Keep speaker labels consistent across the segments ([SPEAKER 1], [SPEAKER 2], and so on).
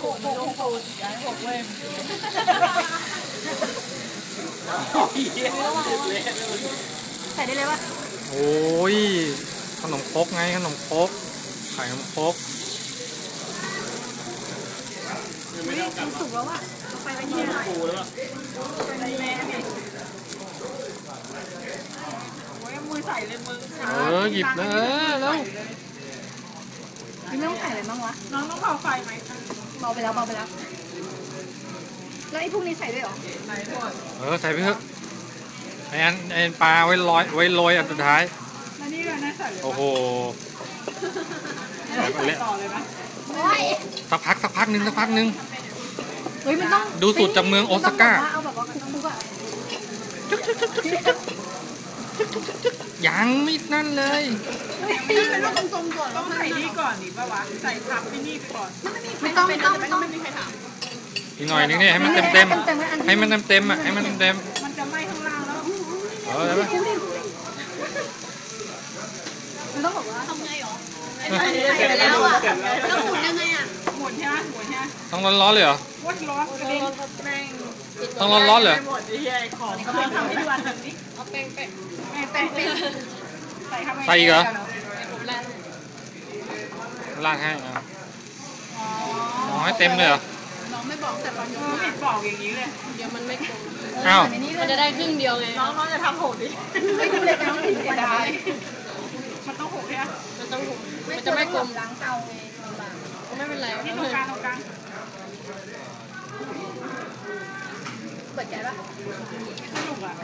[SPEAKER 1] ใส่ได้เลยป่ะ
[SPEAKER 2] โอ้ยขนมครกไงขนมครกไข่ขนมครก
[SPEAKER 1] มันสุกแล้วอ่ะไปไว้ที่ไหนปูแล้วมือใส่เลยมือ
[SPEAKER 2] หยิบเลยแล้ว
[SPEAKER 1] ไม่ต้องใส่อะไรบ้างวะน้องต้องเบาไฟไหมเบาไปแล้วแล้วไอ้พวกนี้ใส่ด้วยหรอใส่ด้วย
[SPEAKER 2] ใส่ไปเถอะไอ้ปลาไว้โรยอันสุดท้าย
[SPEAKER 1] แล้วนี่เราใส่เลย
[SPEAKER 2] โอ้โห
[SPEAKER 1] ต่อเลยไหม
[SPEAKER 2] สักพักหนึ่ง
[SPEAKER 1] เฮ้ยมันต้อง
[SPEAKER 2] ดูสูตรจากเมืองโอซาก้า
[SPEAKER 1] เอาแบบว่าคุกๆอ่ะ
[SPEAKER 2] ยังไม่นั่นเลย
[SPEAKER 1] เป็นรูปทรงๆก่อนต้องใส่นี่ก่อนดิป่าวะใส่ทับไปนี่ก่อนไม่ต้องไม่มีใครถาม
[SPEAKER 2] อีกหน่อยนึงเนี่ยให้มันเต็มให้มันเต็มอ่ะให้มันเต็ม
[SPEAKER 1] มันจะไหม้ข้างล่างแล้ว
[SPEAKER 2] ได้ไหม
[SPEAKER 1] มันต้องบอกว่าทำไงหรอใส่ไปแล้วอ่ะต้องหมุนยังไงอ่ะหมุนใช่ไหม
[SPEAKER 2] ต้องร้อนเลยเหรอ
[SPEAKER 1] ร้อนกระเด็นแป้ง
[SPEAKER 2] ต้องร้อนเลย
[SPEAKER 1] หมดไอ้เหี้ยของเขาทำให้ดูอันนี้เอาแป้ง
[SPEAKER 2] ใส่อีกเหรอลากให้อ๋อให้เต็มเลยเหรอ
[SPEAKER 1] น้องไม่บอกแต่ตอนนี้ไม่บอกอย่างนี้เลยเดี๋ยวมันไม่กลม
[SPEAKER 2] อ้าว
[SPEAKER 1] มันจะได้ครึ่งเดียวไงน้องจะทำโหดดิไม่ทำเลยน้องเสียดายมันต้องโหดใช่ไหมมันต้องโหดมันจะไม่กลมล้างเตาไงไม่เป็นไรที่ตรงกลางเปิดใจปะสนุกอ่ะ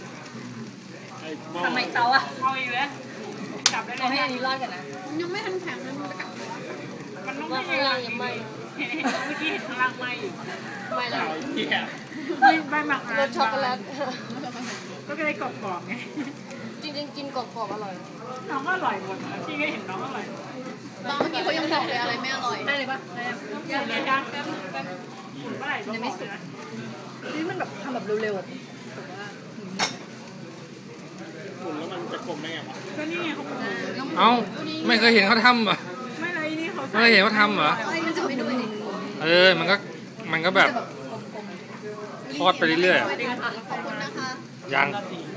[SPEAKER 1] ทำไมเตาอ่ะเอาอีกแล้วจับได้เลยเอาให้อันนี้รอดกันนะยังไม่ทันแข็งเลยมันจะกลับมันต้องข้างล่างยังไม่เมื่อกี้เห็นข้างล่างไม่อยู่ไม่แล้วไม่หมักรสช็อกโกแลตก็ได้กรอบๆไงจริงๆกินกรอบๆอร่อยน้องก็อร่อยหมดพี่ก็เห็นน้องอร่อยน้องเมื่อกี้เขายังบอกเลยอะไรไม่อร่อยได้เลยปะได้เลยจ้าแป๊บหมุนเมื่อไหร่ยังไม่สุดนี่มันแบบทำแบบเร็วๆหมุนแล้วมันจะกลมได้ไงวะก็นี่ไงเขาหมุน
[SPEAKER 2] เอ้าไม่เคยเห็นเขาทำเหรอ
[SPEAKER 1] ไม่เลยนี่เขา
[SPEAKER 2] ไม่เคยเห็นเขาทำเหรอมันก็แบบทอดไปเรื่อยๆยัง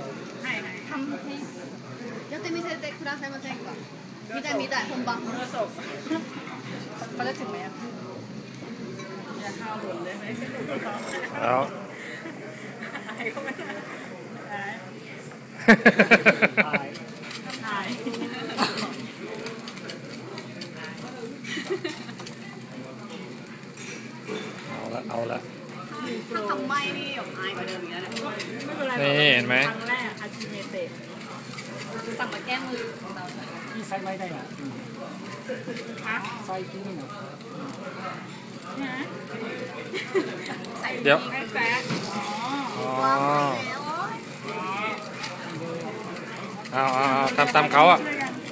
[SPEAKER 1] やってみせてくださいませんか見たい本番เขาจะถึงไหมอ่ะอย่าเข้าหล่นเลยไหม
[SPEAKER 2] แล้วเอาละ
[SPEAKER 1] ถ้าทำไม่นี่อายกว่าเดิมอีกแล้ว
[SPEAKER 2] นี่เห็นไหม
[SPEAKER 1] ครั้งแรกอาชิเมเตะสั่งมาแก้มือของเรา
[SPEAKER 3] ที่ไซไม่ได้อ่ะไซที่นี่นะ
[SPEAKER 2] เดี๋ยวเอาตามเขาอ่ะ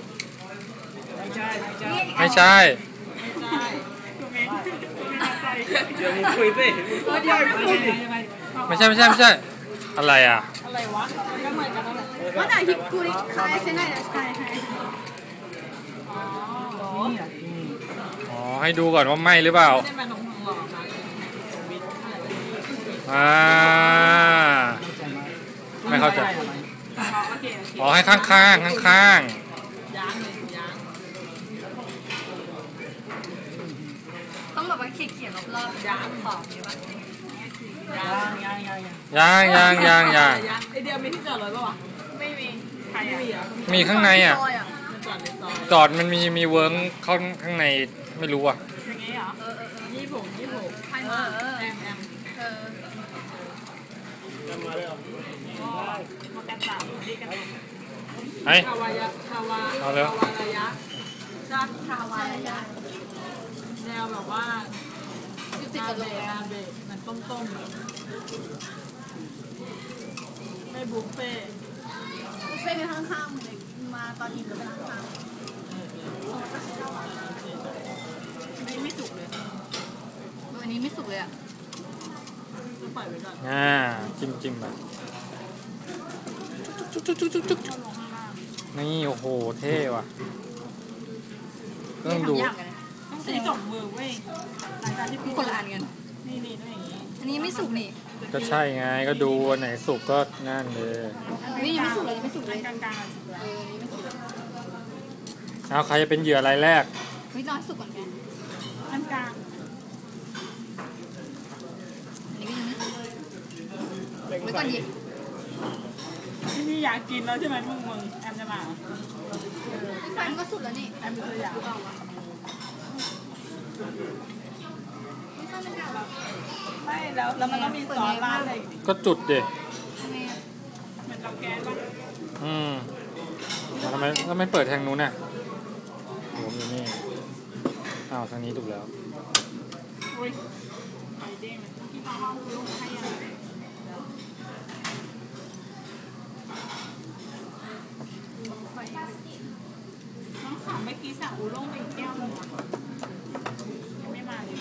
[SPEAKER 2] ไม่ใช่
[SPEAKER 3] เดี๋ยวมึงคุยสิ
[SPEAKER 2] ไม่ใช่อะไรอ่ะ
[SPEAKER 1] อะไรวะก็เหมือนกันนั่นแหละว่าแต่ฮิกุริคายใช่ไหมใช่
[SPEAKER 2] อ๋อให้ดูก่อนว่าไหมหรือเปล่าไม่เข้าใจอ๋อให้ข้าง
[SPEAKER 1] ต้องแบบว่าเขียนรอบๆยางขอบใช่ปะ
[SPEAKER 2] ยัง
[SPEAKER 1] ไอเดียมีที่จอดรถป่ะวะไม่มีใครอ่ะ
[SPEAKER 2] มีข้างในอ่ะจอดมันมีเวิร์กเข้าข้างในไม่รู้อ่ะ
[SPEAKER 1] อย่างงี้เหรอยี่ผมใครมาแอมมาเลยเหรอมากันสามดีกันคาวายะระยะจากคาวายะแนวแบบว่าอาเบะมันต้มไม่บุฟเฟ่เป็นข้างๆเลยมาตอนนี้ก็เป็นข้างๆไม่สุกเลยวันนี้ไม่สุกเลยอ่ะปล่อยไว้ก่อน
[SPEAKER 2] จิ้มแบบนี่โอ้โหเท่ว่ะต้องดู
[SPEAKER 3] ใช้สองมือเว้ยหลังจากที่พี่
[SPEAKER 1] คนละอันกัน
[SPEAKER 3] นี่ต้องอย่างนี้
[SPEAKER 1] อันนี้ไม่สุกนี่
[SPEAKER 2] ก็ใช่ไงก็ดูอันไหนสุกก็นั่นเลย
[SPEAKER 1] นี่ยังไม่สุกเลยยังไม่สุกเลย
[SPEAKER 3] กลางๆสุดแล้ว
[SPEAKER 1] นี่ไม่สุกเลย
[SPEAKER 2] เอาใครจะเป็นเหยื่อรายแรก
[SPEAKER 1] ไม่รอให้สุกก่อนไง
[SPEAKER 3] กลาง
[SPEAKER 1] อันนี้ก็ยังไม่สุกไว้ก่อนหยิบ
[SPEAKER 3] พี่อยากกินแล้วใช่ไหมมึงแอมจะมา
[SPEAKER 1] ไฟมันก็สุกแล้วนี่
[SPEAKER 3] แอมเป็นตัวอย่าง
[SPEAKER 1] ไม่ใช่ไม่ใช่หรอ
[SPEAKER 3] ไม่แล้วมันต้องมีซอสราดอะไร
[SPEAKER 2] ก็จุดดิ
[SPEAKER 1] ทำไมอ่ะ
[SPEAKER 3] เหมือนเตาแก๊สป่ะ
[SPEAKER 2] ทำไมเปิดทางนู้นน่ะผมอยู่นี่อ้าวทางนี้ถูกแล้ว
[SPEAKER 3] อุ้ยไอเด้งที่น้องลูกให้ยังน้องถามเมื่อกี้สั่งอูด้งไปอีกแก้วนึงยังไม่มาเลย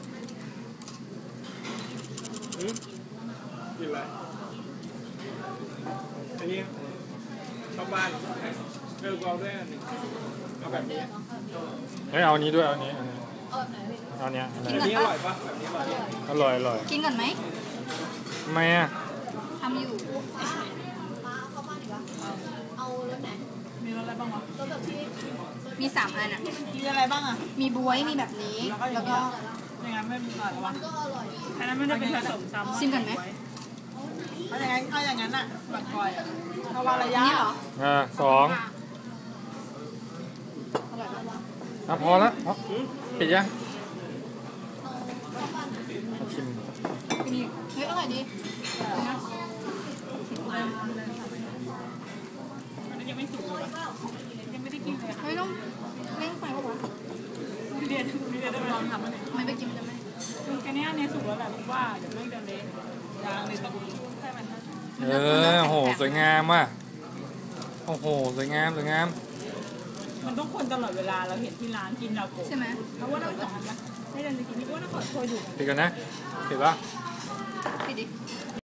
[SPEAKER 4] กินอะไรอันนี้ชาวบ้านเลือกเอาด้วยอันหนึ่งเอาแบบนี้
[SPEAKER 2] เฮ้ยเอาอันนี้ด้วยเอาอันนี้เอาอันนี้
[SPEAKER 4] แบบนี้อร่อยปะแบบนี้อร่อย
[SPEAKER 2] อร่อย
[SPEAKER 1] กินก่อนไหม
[SPEAKER 2] ทำไมอ่ะ
[SPEAKER 1] ทำอยู่
[SPEAKER 3] มีรสอะไรบ้างวะ
[SPEAKER 1] มี3 อันอ่ะ
[SPEAKER 3] มีอะไรบ้างอ่ะ
[SPEAKER 1] มีบ๊วยมีแบบนี้แล้วก็
[SPEAKER 3] อย่างนั้นไม่มีอะไรวะอันนั้นไม่ได้เป็นผสมซ้ำ
[SPEAKER 1] ชิมก่อนไหม
[SPEAKER 3] เอาอย่างนั้นอ่ะแบบก่อยอ่ะเอาวาระ
[SPEAKER 1] อัน
[SPEAKER 3] ยะ
[SPEAKER 1] นี้เหรอ
[SPEAKER 2] 2
[SPEAKER 1] อร่อยปะ
[SPEAKER 2] อ่ะพอละอ๋อปิดยังมาชิม
[SPEAKER 1] กินอีกเฮ้ยอร่อยดี
[SPEAKER 3] อันนี้ยังไม่สุกเลยยังไม่ได้กินเลยค่ะ
[SPEAKER 1] เฮ้ยต้องเร่งไฟปะวะ
[SPEAKER 3] พี่เรียนได้ไปลองทำมันเนี่ย
[SPEAKER 1] ไม่ไปกินจะไม่
[SPEAKER 3] คือแค่นี้เนี่ยสุกแล้วแบบว่าเดี๋ยวไม่เดินเละยางเลยต้องให้มัน
[SPEAKER 2] โอ้โหสวยงามว่ะโอ้โหสวยงาม
[SPEAKER 3] มันต้องคนตลอดเวลาเราเห็นที่ร้านกินเราโกะ
[SPEAKER 1] ใช่ไหม
[SPEAKER 3] เพราะว่าเราสอนนะให้เดินไปกินนี่ว่าเราขอโทษอยู่
[SPEAKER 2] ปิดกันนะปิดปะ
[SPEAKER 1] ปิดดิ